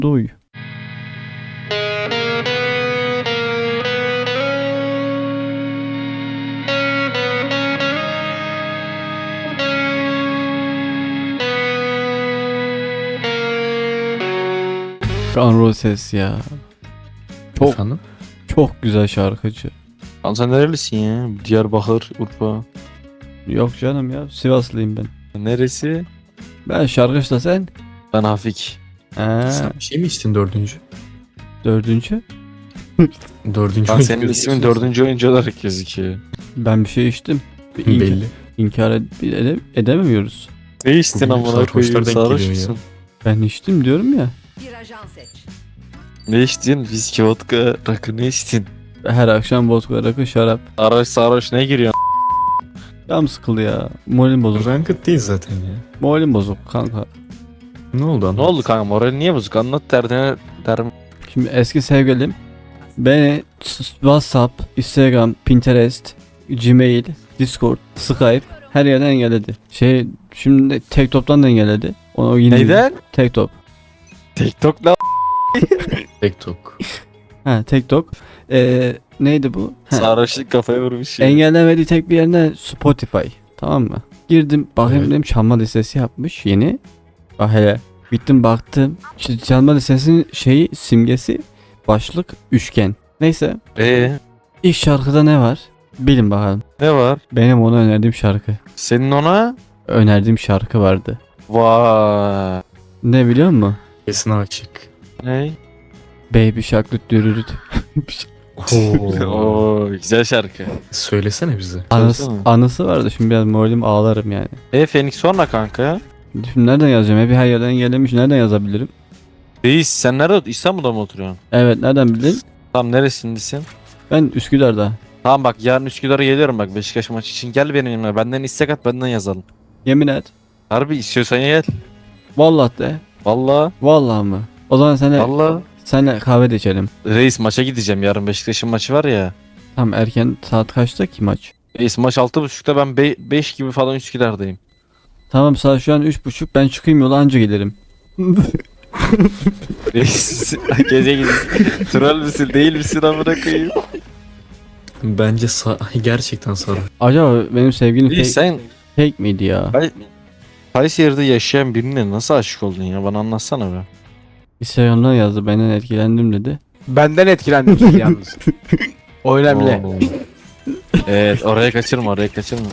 Duy. Guns Roses ya. Çok Efendim? çok güzel şarkıcı. Lan sen nerelisin ya? Diyarbakır, Urfa. Yok canım ya, Sivaslıyım ben. Neresi? Ben şarkıcı da sen. Ben Hafik. Sen bir şey mi içtin dördüncü? Dördüncü. Dördüncü Lan oyuncu senin ismin gözüküyorsun. 4. oyuncu olarak gözüküyor. Ben bir şey içtim. Belli. İnkar edemiyoruz. Ne içtin Bugün amına sarhoşlar koyayım? denk Sarhoş geliyor ya. musun? Ben içtim diyorum ya. Bir ajan seç. Ne içtin? Viski, vodka, rakı ne içtin? Her akşam vodka, rakı, şarap. Sarhoş ne giriyor? Canım sıkıldı ya. Moralim bozuk. Ranked değil zaten ya. Moralim bozuk kanka. Ne oldu anlat. Ne oldu kanka? Moral niye bozuk? Anlat derdine derim. Şimdi eski sevgilim beni WhatsApp, Instagram, Pinterest, Gmail, Discord, Skype her yerden engelledi. Şimdi TikTok'tan da engelledi. Onu yine Neyden? TikTok. TikTok ne? TikTok. Ha TikTok. Neydi bu? Ha, Sarhoşluk kafaya vurmuş ya. engellemediği tek bir yerine Spotify. Tamam mı? Girdim bakayım Evet. dedim, çalma listesi yapmış yeni. Bak hele. Bittim baktım. İşte çalma listesinin simgesi başlık üçgen. Neyse. İlk şarkıda ne var? Bilin bakalım. Ne var? Benim ona önerdiğim şarkı. Senin ona? Önerdiğim şarkı vardı. Vay. Ne biliyor musun? Kesin açık. Ne? Baby Shark düt dürürüt. Oo. Oo, güzel şarkı. Söylesene bize. Anısı, anısı vardı, şimdi biraz moralim ağlarım yani. Phoenix sonra kanka. Şimdi nereden yazacağım? Hep her yerden engellemiş. Nereden yazabilirim? Reis sen nerede? İstanbul'da mı oturuyorsun? Evet, nereden bildin? Tam neresindesin? Ben Üsküdar'da. Tamam bak yarın Üsküdar'a geliyorum bak Beşiktaş maçı için gel benim yanıma. Benden istek at benden yazalım. Yemin et. Harbi istiyorsan gel. Vallahi de. Vallahi. Vallahi mı? O zaman Vallahi. senle kahve de içelim. Reis maça gideceğim yarın Beşiktaş'ın maçı var ya. Tam erken, saat kaçta ki maç? Reis maç 6.30'da ben 5 gibi falan Üsküdar'dayım. Tamam, saat şu an 3.30, ben çıkayım yola anca gelirim. Reis gece gidiyorsun. Troll müsün değil misin amına koyayım? Bence gerçekten sarı. Acaba benim sevgilim Reis sen fake miydi ya? Kayseri'de yaşayan birine nasıl aşık oldun ya bana anlatsana be. Instagram'dan yazdı, benden etkilendim dedi. Benden etkilendim yalnız. O önemli. Oo. Evet oraya kaçırma oraya kaçırma.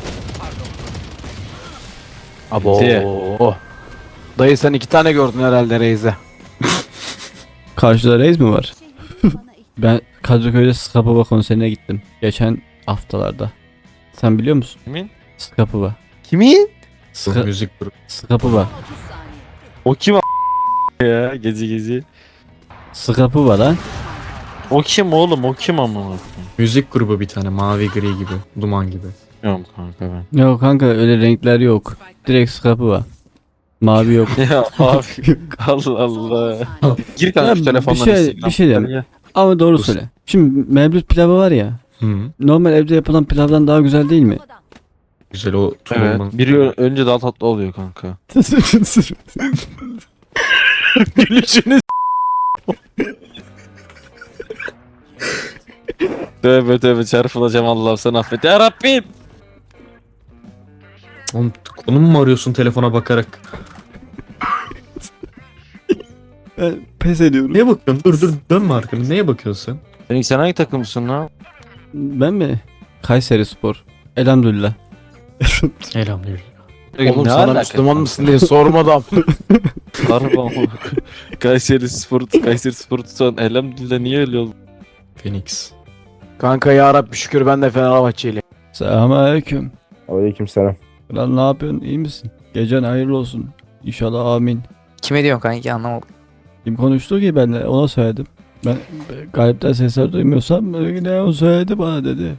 Abo. Diye. Dayı sen 2 tane gördün herhalde Reis'e. Karşıda reis mi var? Ben Kadıköy'de Skapova konserine gittim. Geçen haftalarda. Sen biliyor musun? Kimin? Skapova. Kimin? Bu müzik grubu. Skapova. 30 saniye. O kim ya gezi. Skapova lan. O kim oğlum o kim amına koyayım? Müzik grubu bir tane mavi gri gibi. Duman gibi. Bilmiyorum kanka ben. Yok kanka, öyle renkler yok. Direkt Skapova. Mavi yok. Ya abi Allah Allah. Gir kanka Ya şu telefondan bir şey Instagram. diyeyim. Hadi gel. Ama doğru Dur. söyle. Şimdi mevlüt pilavı var ya. Hı. Normal evde yapılan pilavdan daha güzel değil mi? Güzel o Evet. tulumlu. Biri önce daha tatlı oluyor kanka. Gülüşünü Tövbe çarpılacağım Allah'ım sen affet ya Rabbim. Oğlum konum mu arıyorsun telefona bakarak? Ben pes ediyorum. Neye bakıyorsun? Dur dönme arkanı. Neye bakıyorsun Sen hangi takımsın lan? Ben mi? Kayseri Spor. Elhamdülillah. sen? Elhamdülillah. Oğlum Ne sana alaka? Müslüman mısın diye sormadım. Harbi ama. Kayseri Spor tutan elhamdülillah niye öyle oldu? Phoenix. Kanka ya Rabbi şükür ben de Fenerbahçeliyim. Selamünaleyküm. Aleykümselam. Lan ne yapıyorsun? İyi misin? Gecen hayırlı olsun. İnşallah, amin. Kime diyorsun kanki anlamadım. Kim konuştu ki, benle ona söyledim. Ben galipten sesler duymuyorsam ne o söyledi bana dedi.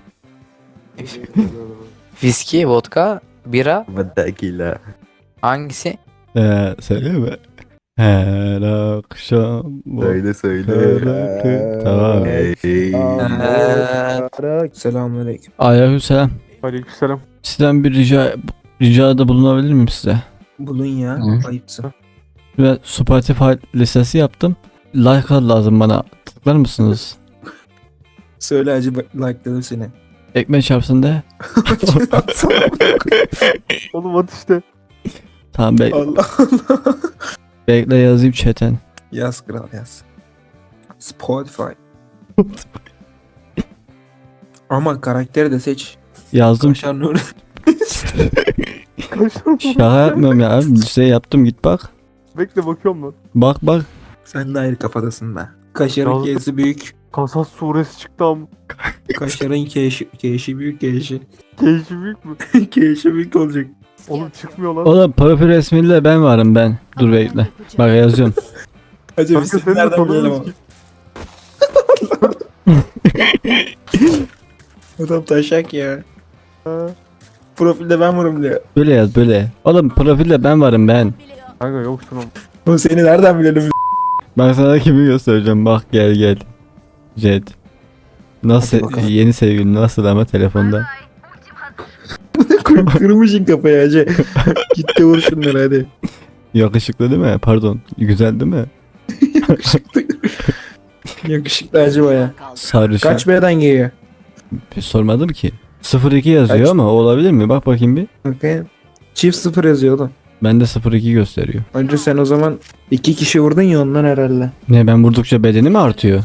Viski, vodka, bira Vadakila. hangisi? Söylüyor mu? Her akşam bu Söyle. Tamam. Selamünaleyküm. Aleykümselam. Aleykümselam. Sizden bir ricada bulunabilir miyim size? Bulun ya. Hı. Ayıpsın. Ve Spotify listesi yaptım. Like lazım bana. Tıklar mısınız? Söyle hacı like'ladım seni. Ekmek çarpsın de. Oğlum at işte. Tamam Allah Allah. bekle yazayım chatten. Yaz kral yaz. Spotify. Ama karakteri de seç. Yazdım. Kaşar Nuri. Şaka yapmıyorum ya. Şey yaptım git bak. Bekle bakıyorum lan. Bak bak. Sen de ayrı kafadasın be. Kaşarın Yazdım. K'si büyük. Kasas suresi çıktı ama. Kaşarın K'si büyük K'si. Keyfi büyük mü? K'si büyük olacak. Oğlum çıkmıyor lan. Oğlum profil resmiyle ben varım ben. Dur bekle. Bak yazıyorum. Hacı Kanka biz seni de nereden bilelim tanıyoruz ama. Adam taşak ya. Profilde ben varım diyor. Böyle yaz böyle. Oğlum profilde ben varım ben. Kanka yoksun oğlum. O seni nereden bilelim? Ben sana kimi göstereceğim bak gel gel. Jet. Nasıl Hadi bakalım. yeni sevgilin nasıl ama telefonda. Kırmışın kafayı hacı. Git de vur şunları hadi. Yakışıklı değil mi? Pardon. Güzel değil mi? Yakışıklı. Yakışıklı hacı baya. Sarışın. Kaç B'den geliyor? Sormadım ki. 02 yazıyor Kaç? ama olabilir mi? Bak bakayım bir. Bakayım. Çift 0 yazıyor oğlum. Bende 02 gösteriyor. Önce sen o zaman 2 kişi vurdun ya ondan herhalde. Ne ben vurdukça bedeni mi artıyor?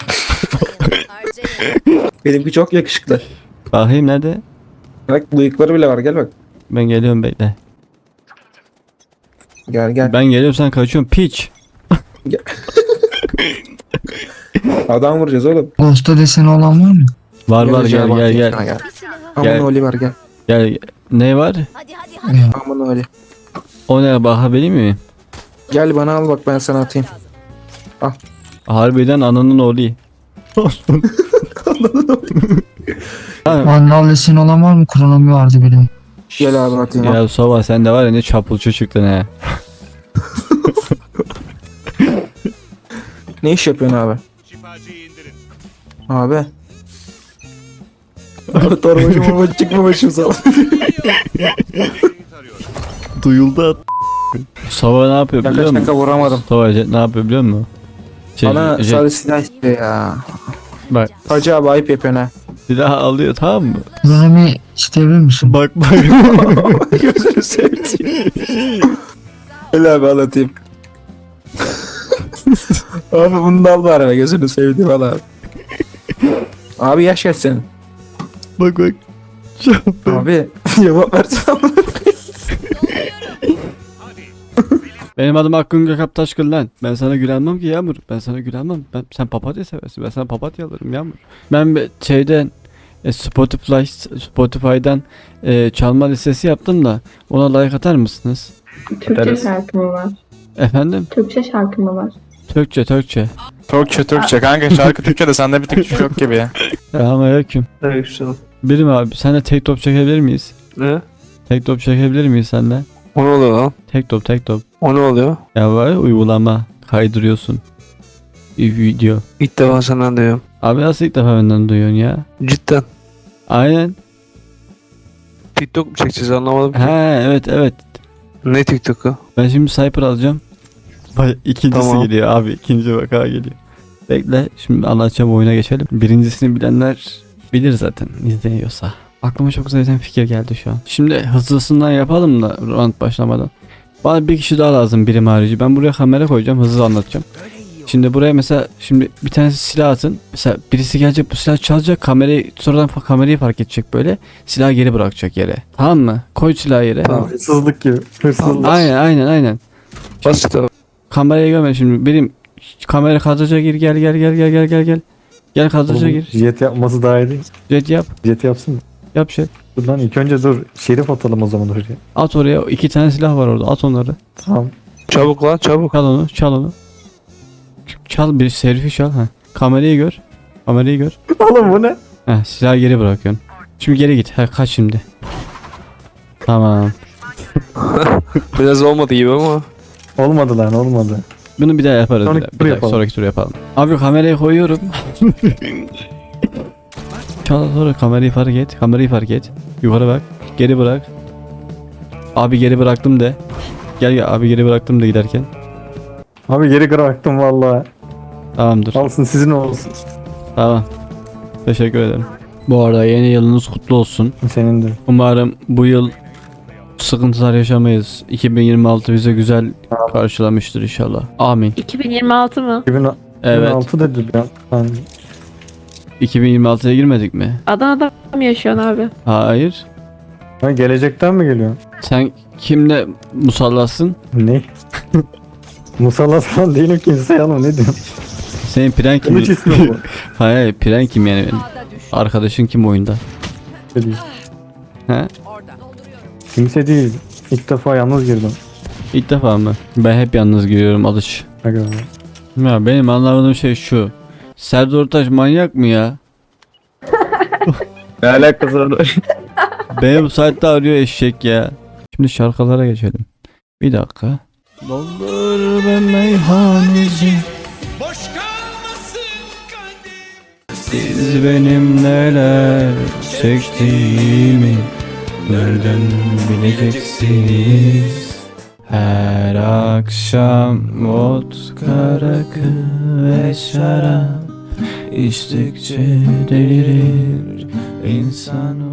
Benimki çok yakışıklı. Bakayım nerede? Bak bıyıkları bile var gel bak. Ben geliyorum bekle. Gel gel. Ben geliyorum sen kaçıyorsun piç. Adam vuracağız oğlum. Ghost'ta deseni olan var mı? Var var Gel, gel bak, gel sana gel. Aman Gel. Oli var gel. Gel. Ne var? Aman Oli. O ne bakabilir miyim? Gel bana al bak ben sana atayım. Harbiden ananın oğlu. Ha, Vandal deseni olan var mı? Kronomi vardı benim. Gel abi atayım. al. ya Sova sen de var ya ne çapulcu çıktın he. Ne iş yapıyorsun abi? Abi. Abi torbacım ama çıkma başım sağ ol. Duyuldu at. Sova ne yapıyor Şaka biliyor musun? şaka vuramadım. Sova ne yapıyor biliyor musun? Bana Jet- sarı silah istiyor ya. bak Hacı abi ayıp yapıyorsun ha. silah alıyor tamam mı? Kronomi isteyebilir misin? Bak bak. Gözünü seveyim. Öyle abi anlatayım. Abi bunu da al bari be, gözünü seveyim al abi. Abi yaş kaç senin? bak bak. Abi cevap versene. Benim adım Hakkın Gökap Taşkın lan. Ben sana gülenmem ki Yağmur. Ben sana gülenmem. Sen papatya seversin. Ben sana papatya alırım Yağmur. Ben şeyden Spotify'dan çalma listesi yaptım da ona like atar mısınız? Türkçe şarkı mı var? Efendim? Türkçe şarkı mı var? Türkçe. Türkçe kanka şarkı Türkçe de sende bir Türkçe yok gibi ya. Selamünaleyküm. Birim abi senle tek top çekebilir miyiz? Ne? Tek top çekebilir miyiz senle? O ne oluyor lan? Tek top. O ne oluyor? Ya var ya uygulama kaydırıyorsun. Bir video. İlk defa senden duyuyorum. Abi nasıl ilk defa benden duyuyorsun ya? Cidden. Aynen. TikTok mu çekeceğiz anlamadım ki. He evet. Ne TikTok'u? Ben şimdi Cypher alacağım. Bak ikincisi Tamam. geliyor abi. İkinci vaka geliyor. Bekle şimdi anlatacağım oyuna geçelim. Birincisini bilenler bilir zaten izleniyorsa. Aklıma çok güzel bir fikir geldi şu an. Şimdi hızlısından yapalım da round başlamadan. Bana bir kişi daha lazım birim harici. Ben buraya kamera koyacağım hızlı anlatacağım. Şimdi buraya mesela şimdi bir tanesi silah atın. Mesela birisi gelecek bu silah çalacak kamerayı sonradan kamerayı fark edecek böyle. Silahı geri bırakacak yere. Tamam mı? Koy silahı yere. Tamam. Hırsızlık gibi. Hırsızlık. Aynen. Basit abi. Kamerayı görme şimdi. Benim kamera kadraja gir gel. Gel kadraja gir. Jet yapması daha iyi değil. Jet yap. Jet yapsın. Yap şey. Dur lan ilk önce dur. Şerif atalım o zaman oraya. At oraya. 2 tane silah var orada. At onları. Tamam. Çabuk lan çabuk. Çal onu. Çal bir serifi çal. Ha. Kamerayı gör. Oğlum bu ne? Ha, silahı geri bırakıyorsun. Şimdi geri git. Ha, kaç şimdi. Tamam. Biraz olmadı gibi ama. Olmadı lan olmadı. Bunu bir daha yaparız. Sonraki Bir tur daha, yapalım. sonraki tur yapalım. Abi kamerayı koyuyorum. Çal sonra kamerayı fark et. Yukarı bak. Geri bırak. Abi geri bıraktım de. Gel abi geri bıraktım da giderken. Abi geri bıraktım vallahi. Tamamdır. Alsın sizin olsun. Tamam. Teşekkür ederim. Bu arada yeni yılınız kutlu olsun. Senin de. Umarım bu yıl sıkıntılar yaşamayız. 2026 bize güzel karşılamıştır inşallah. Amin. 2026 mı? 2006 Evet. dedi ya. Ben 2026'ya girmedik mi? Adana'da mı yaşıyorsun abi? Hayır. Ha, gelecekten mi geliyor? Sen kimle musallasın? Ne? Musallat falan değilim kimseye ama ne diyorsun? Senin pren kim? Kılıç ismi bu. Hayır, pren kim yani benim? Arkadaşın kim oyunda? Kimse değil. He? Kimse değil. İlk defa yalnız girdim. İlk defa mı? Ben hep yalnız giriyorum alış. Aga. Ya benim anlamadığım şey şu. Serdar Ortaç manyak mı ya? Ne alakası var? Beni bu saatte arıyor eşek ya. Şimdi şarkılara geçelim. Bir dakika. Doldur ben meyhaneci. Siz benim neler çektiğimi nereden bileceksiniz? Her akşam vodka, rakı ve şarap içtikçe delirir insan.